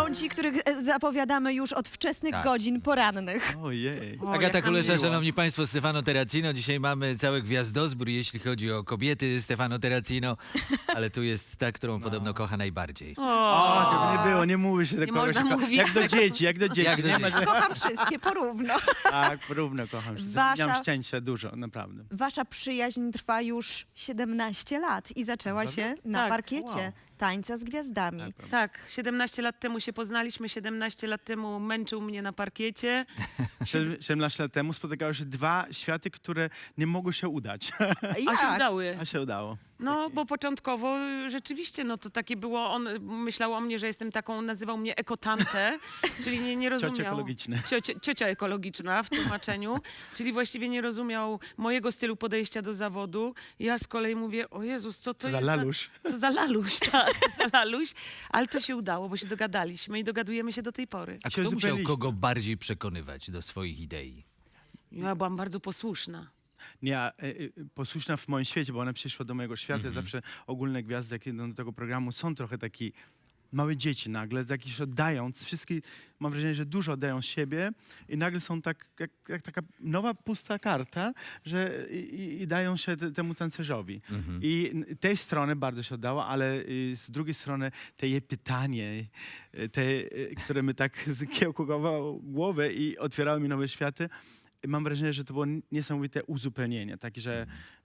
są ci, których zapowiadamy już od wczesnych godzin porannych. Ojej. O, Agata jak nam Kulesza, miło. szanowni państwo, Stefano Terracino. Dzisiaj mamy cały gwiazdozbór, jeśli chodzi o kobiety Stefano Terracino, ale tu jest ta, którą podobno kocha najbardziej. O, żeby nie było, nie mówi się do Nie kogoś. można mówić Jak do dzieci, jak do dzieci. Jak do nie ma, dzieci. że... Kocham wszystkie porówno. Tak, równo kocham się. Wasza- Miałam szczęścia dużo, naprawdę. Wasza przyjaźń trwa już 17 lat i zaczęła się na Tak. parkiecie Wow. Tańca z Gwiazdami. Tak, 17 lat temu się poznaliśmy, 17 lat temu męczył mnie na parkiecie. 17 lat temu spotykały się dwa światy, które nie mogły się udać. A się Jak? udały. A się udało. No, bo początkowo rzeczywiście, no to takie było, on myślał o mnie, że jestem taką, nazywał mnie ekotantę, czyli nie rozumiał. Ciocia ekologiczna. Ciocia ekologiczna w tłumaczeniu, czyli właściwie nie rozumiał mojego stylu podejścia do zawodu. Ja z kolei mówię, o Jezus, co to Co za jest laluś. Co za laluś, tak, co za laluś. Ale to się udało, bo się dogadaliśmy i dogadujemy się do tej pory. A się kto musiał uzupełniliśmy. kogo bardziej przekonywać do swoich idei? Ja byłam bardzo posłuszna. Nie, posłuszna w moim świecie, bo ona przyszła do mojego świata. Zawsze ogólne gwiazdy, jak idą do tego programu, są trochę taki małe dzieci nagle, takie, że oddając, wszystkie, mam wrażenie, że dużo oddają siebie i nagle są tak, jak taka nowa, pusta karta, że i dają się temu tancerzowi. I tej strony bardzo się oddało, ale z drugiej strony te jej pytanie, które mi tak kiełkowało głowę i otwierały mi nowe światy, mam wrażenie, że to było niesamowite uzupełnienie. Takie, że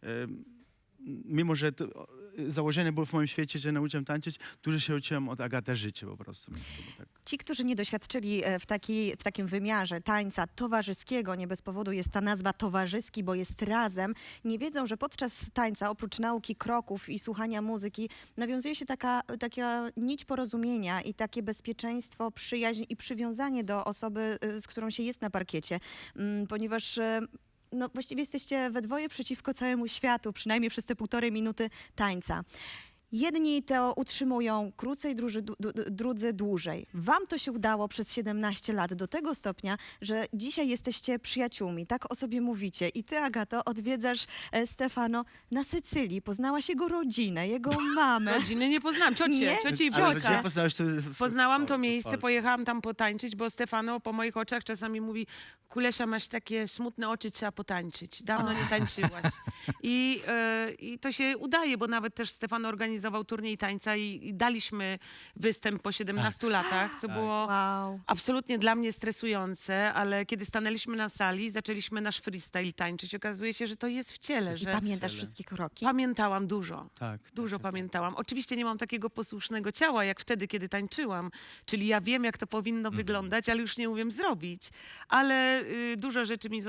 mimo, że to założenie było w moim świecie, że nauczyłem tańczyć, dużo się uczyłem od Agaty życia po prostu. Tak. Ci, którzy nie doświadczyli w takim wymiarze tańca towarzyskiego, nie bez powodu jest ta nazwa towarzyski, bo jest razem, nie wiedzą, że podczas tańca, oprócz nauki kroków i słuchania muzyki, nawiązuje się taka nić porozumienia i takie bezpieczeństwo, przyjaźń i przywiązanie do osoby, z którą się jest na parkiecie, ponieważ no, właściwie jesteście we dwoje przeciwko całemu światu, przynajmniej przez te 1,5 minuty tańca. Jedni to utrzymują krócej, drudzy dłużej. Wam to się udało przez 17 lat do tego stopnia, że dzisiaj jesteście przyjaciółmi, tak o sobie mówicie. I ty, Agato, odwiedzasz Stefano na Sycylii. Poznałaś jego rodzinę, jego mamę. Rodziny nie poznałam, Nie? ciocie i Ale wujka. gdzie poznałeś to? Poznałam to miejsce, pojechałam tam potańczyć, bo Stefano po moich oczach czasami mówi: Kulesia, masz takie smutne oczy, trzeba potańczyć. Dawno nie tańczyłaś. I to się udaje, bo nawet też Stefano organizował turniej tańca i daliśmy występ po 17 latach, co było Wow. absolutnie dla mnie stresujące, ale kiedy stanęliśmy na sali, zaczęliśmy nasz freestyle tańczyć. Okazuje się, że to jest w ciele, I że pamiętasz wszystkie kroki? pamiętałam dużo. Tak. Dużo pamiętałam. Oczywiście nie mam takiego posłusznego ciała, jak wtedy, kiedy tańczyłam. Czyli ja wiem, jak to powinno wyglądać, ale już nie umiem zrobić. Ale dużo rzeczy mi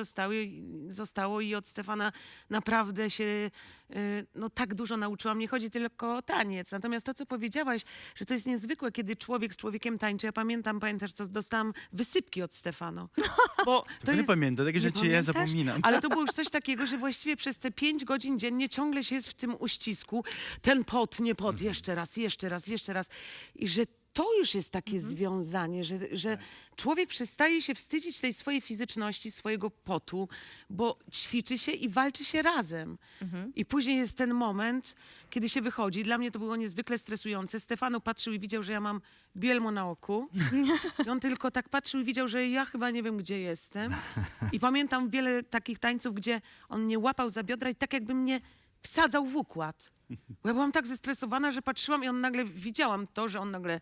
zostało i od Stefana naprawdę się no, tak dużo nauczyłam. Nie chodzi tylko o taniec. Natomiast to, co powiedziałaś, że to jest niezwykłe, kiedy człowiek z człowiekiem tańczy. Ja pamiętasz, co dostałam wysypki od Stefano. Bo to nie jest... pamiętam, takie Nie rzeczy ja pamiętasz? zapominam. Ale to było już coś takiego, że właściwie przez te 5 godzin dziennie ciągle się jest w tym uścisku. Ten pot, nie pot, jeszcze raz, jeszcze raz, jeszcze raz. I że to już jest takie związanie, że człowiek przestaje się wstydzić tej swojej fizyczności, swojego potu, bo ćwiczy się i walczy się razem. I później jest ten moment, kiedy się wychodzi. Dla mnie to było niezwykle stresujące. Stefano patrzył i widział, że ja mam bielmo na oku. I on tylko tak patrzył i widział, że ja chyba nie wiem, gdzie jestem. I pamiętam wiele takich tańców, gdzie on mnie łapał za biodra i tak jakby mnie wsadzał w układ. Bo ja byłam tak zestresowana, że patrzyłam i on nagle, widziałam to, że on nagle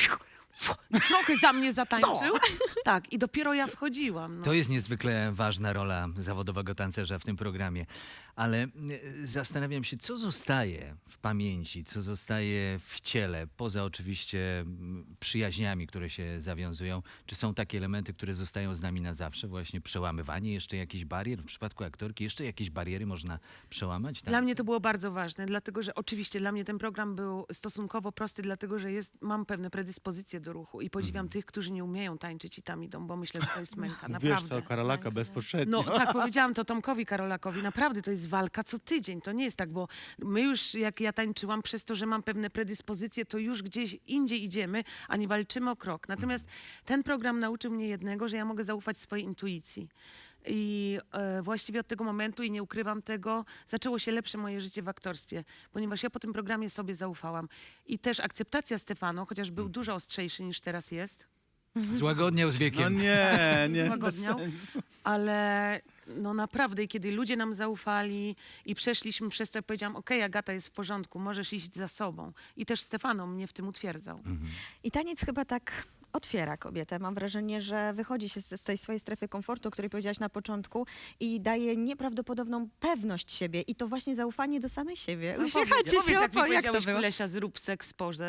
trochę za mnie zatańczył. Tak, i dopiero ja wchodziłam. No. To jest niezwykle ważna rola zawodowego tancerza w tym programie. Ale zastanawiam się, co zostaje w pamięci, co zostaje w ciele, poza oczywiście przyjaźniami, które się zawiązują. Czy są takie elementy, które zostają z nami na zawsze? Właśnie przełamywanie jeszcze jakichś barier? W przypadku aktorki jeszcze jakieś bariery można przełamać? Dla mnie to było bardzo ważne, dlatego że oczywiście dla mnie ten program był stosunkowo prosty, dlatego że mam pewne predyspozycje do ruchu i podziwiam tych, którzy nie umieją tańczyć i tam idą, bo myślę, że to jest męka, Wiesz, naprawdę. to Karolaka bezpośrednio. No tak, powiedziałam to Tomkowi Karolakowi. Naprawdę to jest walka co tydzień. To nie jest tak, bo my już, jak ja tańczyłam, przez to, że mam pewne predyspozycje, to już gdzieś indziej idziemy, a nie walczymy o krok. Natomiast ten program nauczył mnie jednego, że ja mogę zaufać swojej intuicji. I właściwie od tego momentu, i nie ukrywam tego, zaczęło się lepsze moje życie w aktorstwie, ponieważ ja po tym programie sobie zaufałam. I też akceptacja Stefano, chociaż był dużo ostrzejszy niż teraz jest, Złagodniał z No wiekiem. nie, bez Złagodniał. sensu. ale no naprawdę, i kiedy ludzie nam zaufali i przeszliśmy przez to, powiedziałam, okej, Agata, jest w porządku, możesz iść za sobą. I też Stefano mnie w tym utwierdzał. I taniec chyba tak otwiera kobietę. Mam wrażenie, że wychodzi się z tej swojej strefy komfortu, o której powiedziałaś na początku i daje nieprawdopodobną pewność siebie i to właśnie zaufanie do samej siebie. Uśmiechacie Powiedz, się, jak mi jak to powiedziałeś, było? Lesia, zrób seks porze.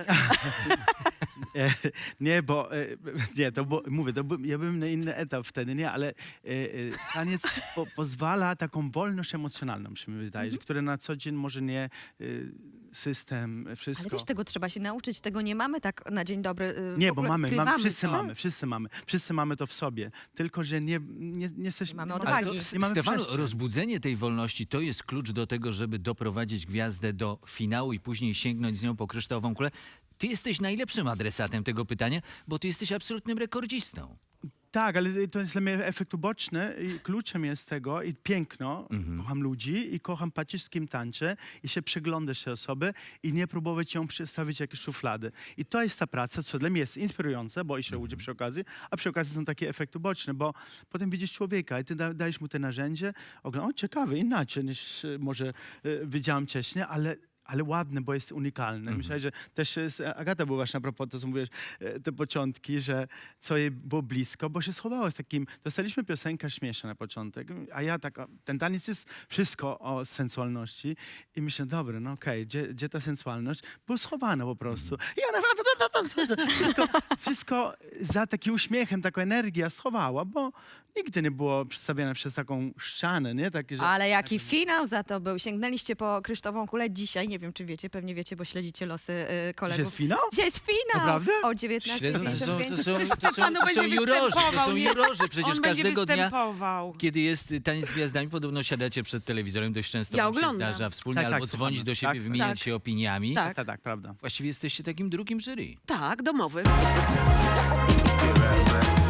Nie, bo nie, mówię, ja byłem na inny etap wtedy, nie, ale taniec pozwala taką wolność emocjonalną, się mi wydaje, że które na co dzień może nie system, wszystko. Ale wiesz, tego trzeba się nauczyć, tego nie mamy tak na dzień dobry. Nie, w bo ogóle mamy, odkrywamy wszyscy mamy to w sobie, tylko że nie jesteśmy... Mamy nie odwagi. Ale to, nie mamy Stefano, przestrzeni. rozbudzenie tej wolności to jest klucz do tego, żeby doprowadzić gwiazdę do finału i później sięgnąć z nią po kryształową kulę. Ty jesteś najlepszym adresatem tego pytania, bo ty jesteś absolutnym rekordzistą. Tak, ale to jest dla mnie efekt uboczny i kluczem jest tego i piękno. Kocham ludzi i kocham patrzeć, z kim tańczę i się przyglądać tej osoby i nie próbować ją przedstawić jakieś szuflady. I to jest ta praca, co dla mnie jest inspirujące, bo i się uczę przy okazji, a przy okazji są takie efekty uboczne, bo potem widzisz człowieka i ty dajesz mu te narzędzie, o ciekawe, inaczej niż może wiedziałam wcześniej, ale ładne, bo jest unikalne. Myślę, że też Agata była właśnie a propos to, co mówisz, te początki, że co jej było blisko, bo się schowało w takim... Dostaliśmy piosenkę śmieszna na początek, a ja tak, ten taniec jest wszystko o sensualności i myślę, dobra, no okej, gdzie ta sensualność? Było schowana po prostu. I ona wszystko za takim uśmiechem, taką energię schowała, bo nigdy nie było przedstawiane przez taką ścianę, nie? Takie, że... Ale jaki finał za to był. Sięgnęliście po kryształową kulę dzisiaj. Nie wiem, czy wiecie, pewnie wiecie, bo śledzicie losy Dzisiaj kolegów. jest finał? Dzisiaj jest finał! Naprawdę? O Śledzą, to są 19:55. Stefano będzie jurorzy, to występował, są nie? jurorzy. Przecież On będzie każdego dnia, występował. kiedy jest taniec z gwiazdami, podobno siadacie przed telewizorem, dość często Ja wam się oglądam. zdarza wspólnie, Tak, albo tak, dzwonić słuchamy. do siebie, Tak, wymieniać tak. się opiniami. Tak. Tak, prawda. Właściwie jesteście takim drugim jury. Tak, domowy. Forever.